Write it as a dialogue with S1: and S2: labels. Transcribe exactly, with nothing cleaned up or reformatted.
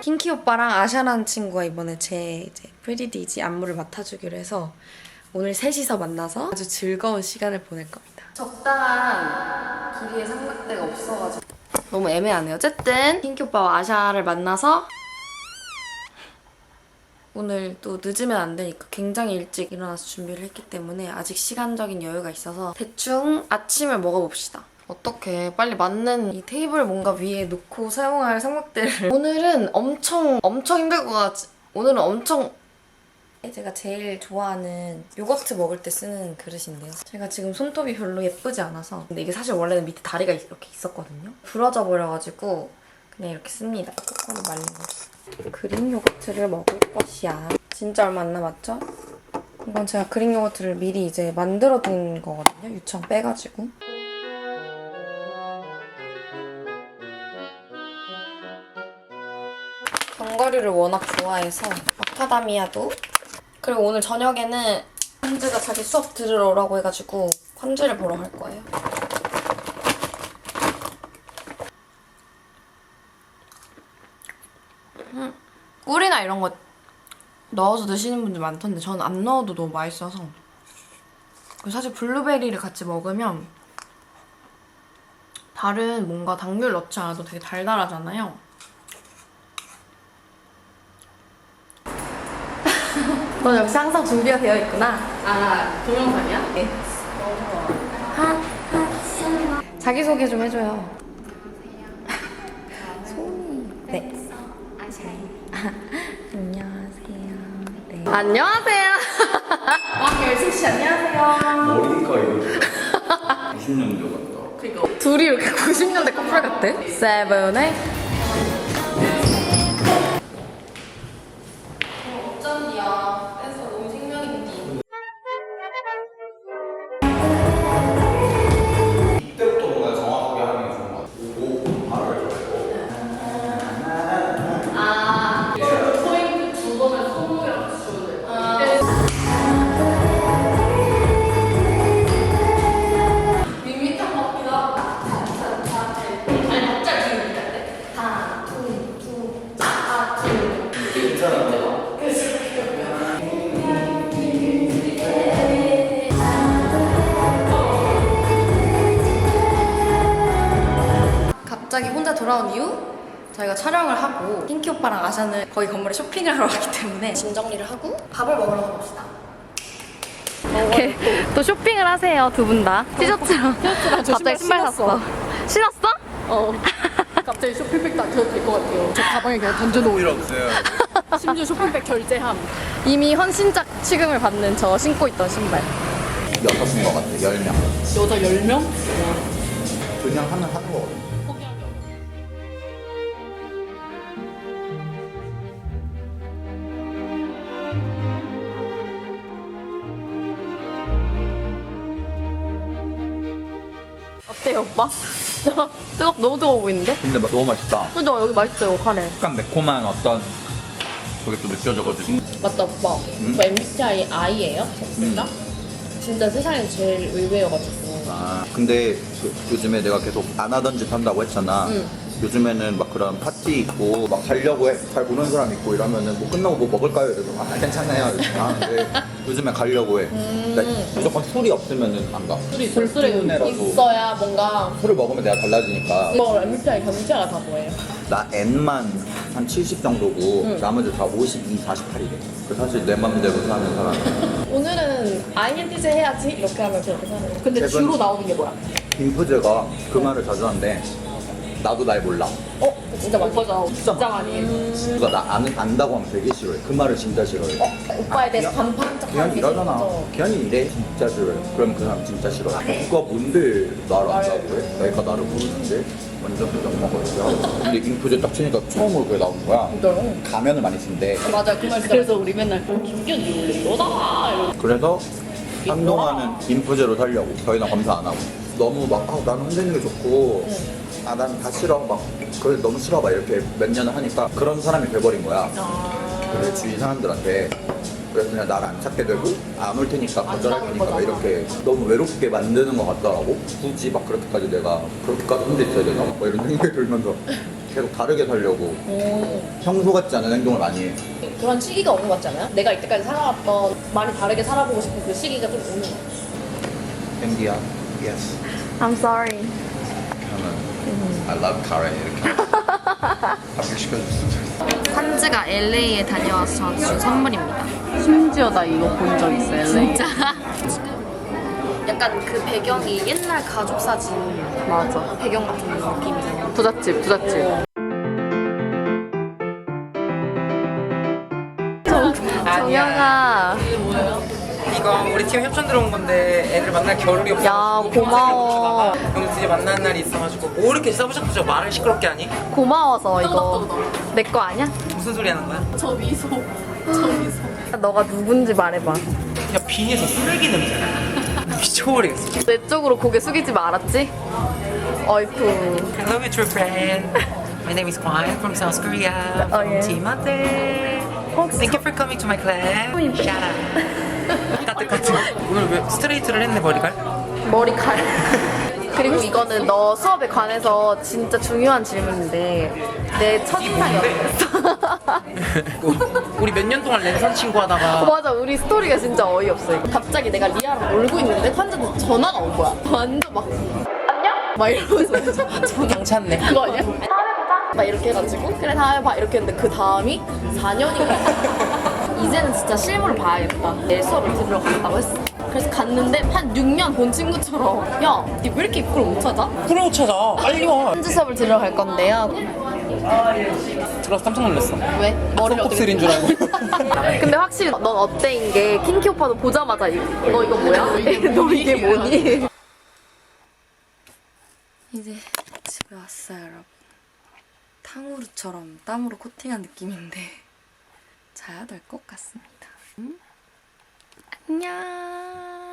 S1: 핑키 오빠랑 아샤라는 친구가 이번에 제 이제 프리디지 안무를 맡아주기로 해서 오늘 셋이서 만나서 아주 즐거운 시간을 보낼 겁니다. 적당한 길이의 삼각대가 없어가지고 너무 애매하네요. 어쨌든 핑키 오빠와 아샤를 만나서 오늘 또 늦으면 안 되니까 굉장히 일찍 일어나서 준비를 했기 때문에 아직 시간적인 여유가 있어서 대충 아침을 먹어봅시다. 어떻게 빨리 맞는 이 테이블 뭔가 위에 놓고 사용할 삼각대를 오늘은 엄청 엄청 힘들 것 같지. 오늘은 엄청 제가 제일 좋아하는 요거트 먹을 때 쓰는 그릇인데요. 제가 지금 손톱이 별로 예쁘지 않아서 근데 이게 사실 원래는 밑에 다리가 이렇게 있었거든요. 부러져 버려가지고 그냥 이렇게 씁니다. 코코넛 말린 거. 그릭 요거트를 먹을 것이야. 진짜 얼마 안 남았죠? 이건 제가 그릭 요거트를 미리 이제 만들어 둔 거거든요. 유청 빼가지고. 견과류를 워낙 좋아해서 마카다미아도. 그리고 오늘 저녁에는 콘즈가 자기 수업 들으러 오라고 해가지고 콘즈를 보러 갈 거예요. 음, 꿀이나 이런 거 넣어서 드시는 분들 많던데 저는 안 넣어도 너무 맛있어서. 그리고 사실 블루베리를 같이 먹으면 다른 뭔가 당귤 넣지 않아도 되게 달달하잖아요. 너 역시 항상 준비가 되어 있구나.
S2: 아, 동영상이야?
S1: 네. 하, 하, 자기소개 좀 해줘요. 소미. 네. 안녕하세요. 네. 안녕하세요.
S2: 아, 열승씨 안녕하세요.
S3: 머리가 이거 구십 년도 같다.
S2: 그니까.
S1: 둘이 이렇게 구십 년대 커플 같아? 세븐의 어쩐디야. 댄서 너무 생명인디.
S3: 이때부터 뭔가 정확하게 하는 게 좋은 것 같아. 오고 바로 알고.
S2: 아, 포인트 두 번을 손목이랑 같이 줘야 돼. 아. 밋밋한 것 같기도 하고. 아니, 갑자기 밋밋할 때. 하나, 둘, 둘, 하나, 둘.
S3: 괜찮아.
S1: 갑자기 혼자 돌아온 이후 저희가 촬영을 하고 핑키 오빠랑 아샤는 거기 건물에 쇼핑을 하러 왔기 때문에 짐 정리를 하고 밥을 먹으러 가봅시다. 이렇게 또 쇼핑을 하세요, 두 분 다. 티셔츠랑
S2: 티셔츠랑 저
S1: 갑자기 신발
S2: 신발
S1: 샀어. 신었어?
S2: 어. 갑자기 쇼핑백도 안 켜도 될 것 같아요. 저 가방에 그냥 던져놓고.
S3: 필요 없어요.
S2: 심지어 쇼핑백 결제함.
S1: 이미 헌신작 취급을 받는 저 신고 있던 신발.
S3: 여섯인 것 같아. 열 명.
S2: 여자 열 명?
S3: 그냥 하면 하는 거거든.
S2: 포기하기 어려워.
S1: 어때요, 오빠? 뜨겁, 너무 뜨거워 보이는데?
S3: 근데 너무 맛있다.
S1: 그죠? 여기 맛있어요, 카레.
S3: 약간 매콤한 어떤 그게 또 느껴져가지고.
S2: 맞다, 오빠.
S3: 음?
S2: 오빠 엠비티아이 I예요? 진짜?
S3: 음.
S2: 진짜 세상에 제일 의외여가지고.
S3: 아 근데 그, 요즘에 내가 계속 안 하던 짓 한다고 했잖아.
S2: 응.
S3: 요즘에는 막 그런 파티 있고 막 가려고 해. 잘 보는 사람 있고 이러면은 뭐 끝나고 뭐 먹을까요? 이래서 아 괜찮아요 이렇게 하는데 요즘에 가려고 해. 나 무조건 술이 없으면은 안 가.
S2: 술이
S3: 술술이
S2: 있어야 뭔가.
S3: 술을 먹으면 내가 달라지니까.
S2: 뭐 엠비티아이 경제가 다 뭐예요?
S3: 나 N만 한 칠십 정도고
S2: 응.
S3: 나머지 다 오십이, 사십팔이래. 그 사실 내 맘대로 사는 사람.
S2: 오늘은 아이엔티제 해야지 이렇게 하면 그렇게 사는 거. 근데
S3: 최근-
S2: 주로 나오는 게 뭐야?
S3: 빈프제가 그 말을 자주 하는데 나도 날 몰라.
S2: 어? 진짜 많이 맞아.
S3: 진짜
S2: 진짜 많이 해.
S3: 누가 나 아는, 안다고 하면 되게 싫어해. 그 말을 진짜 싫어해.
S2: 오빠에 대해서 반반짝
S3: 기현이 이러잖아. 기현이 이래. 진짜 싫어해. 그럼 그 사람 진짜 싫어해. 누가 뭔데 나를 안다고 해? 내가 나를 모르는데? 완전 표정 먹었어. 근데 인프제 딱 치니까 처음으로 그게 나온 거야.
S2: 진짜로?
S3: 가면을 많이 쓴대.
S2: 맞아 그 말. 그래서 우리 맨날 김기현이 원래 이러다 이러고.
S3: 그래서 한동안은 인프제로 살려고. 더 이상 검사 안 하고. 너무 막 아, 나는 혼자있는 게 좋고 아 난 다 싫어 막 그래 너무 싫어 막 이렇게 몇 년을 하니까 그런 사람이 돼버린 거야. 그래 주위 사람들한테. 그래서 그냥 나를 안 찾게 되고 안 올 테니까 거절할 테니까 막 이렇게 너무 외롭게 만드는 것 같더라고. 굳이 막 그렇게까지 내가 그렇게까지 혼자 있어야 되나? 뭐 이런 생각이 들면서 계속 다르게 살려고
S2: 오.
S3: 평소 같지 않은 행동을 많이 해.
S2: 그런 시기가 오는 것 같지 않아요? 내가 이때까지 살아왔던 많이 다르게 살아보고 싶은 그 시기가 좀 오는 것 같아요.
S3: 앤디야, yes.
S1: I'm sorry.
S3: 저는 I love 카레 이렇게 합격시켜줬어.
S1: 산지가 엘에이에 다녀와서 저한테 준 선물입니다.
S2: 심지어 나 이거 본 적 있어, 엘에이.
S1: 진짜? 약간 그 배경이 옛날 가족 사진
S2: 맞아.
S1: 배경 같은 느낌이잖아.
S2: 부잣집, 부잣집.
S1: 정영아.
S4: 이거 우리 팀 협찬 들어온 건데 애들 만날 겨를이 없어.
S2: 야, 고마워.
S4: 그럼 드디어 만나는 날이 있어가지고 뭐 이렇게 싸부셔부셔 말을 시끄럽게 하니?
S2: 고마워서 이거 내 거 아니야?
S4: 무슨 소리 하는 거야?
S2: 너가 누군지 말해봐.
S4: 야 빈에서 쓰레기 냄새나. 미쳐버리겠어.
S2: 내 쪽으로 고개 숙이지 말았지? 어이쿠.
S4: Hello, my true friend. My name is Hwan from South Korea.
S2: Oh,
S4: From
S2: yeah.
S4: Team Ate. Thank you for coming to my club. Shout out. 따뜻같은. 오늘 왜 스트레이트를 했네 머리가?
S2: 머리칼. 그리고 이거는 너 수업에 관해서 진짜 중요한 질문인데 내 첫인상이 어땠어?
S4: 우리 몇 년 동안 랜선 친구 하다가
S2: 맞아, 우리 스토리가 진짜 어이없어 이거. 갑자기 내가 리아랑 놀고 있는데 환자한테 전화가 온 거야. 완전 막 안녕? 막 이러면서 전화
S4: 괜찮네.
S2: 그거 아니야? 다음에 보자. 막 이렇게 해가지고 그래 다음에 봐 이렇게 했는데 그 다음이 사 년인가. 이제는 진짜 실물을 봐야겠다. 내 수업을 들으러 갔다고 했어. 그래서 갔는데 한 육 년 본 친구처럼 야, 니 왜 이렇게 입구를 못 찾아?
S4: 그래 못 찾아. 빨리 와.
S2: 현지 수업을 들으러 갈 건데요.
S4: 들어서 깜짝 놀랐어.
S2: 왜? 머리를 어떻게
S4: kop슬인 줄 알고.
S2: 근데 확실히 넌 어때인 게 킹키 오빠도 보자마자 이- 너 이거 뭐야? 너 이게 뭐니?
S1: 이제 집에 왔어요, 여러분. 탕후루처럼 땀으로 코팅한 느낌인데 자야 될 것 같습니다. 음? 안녕.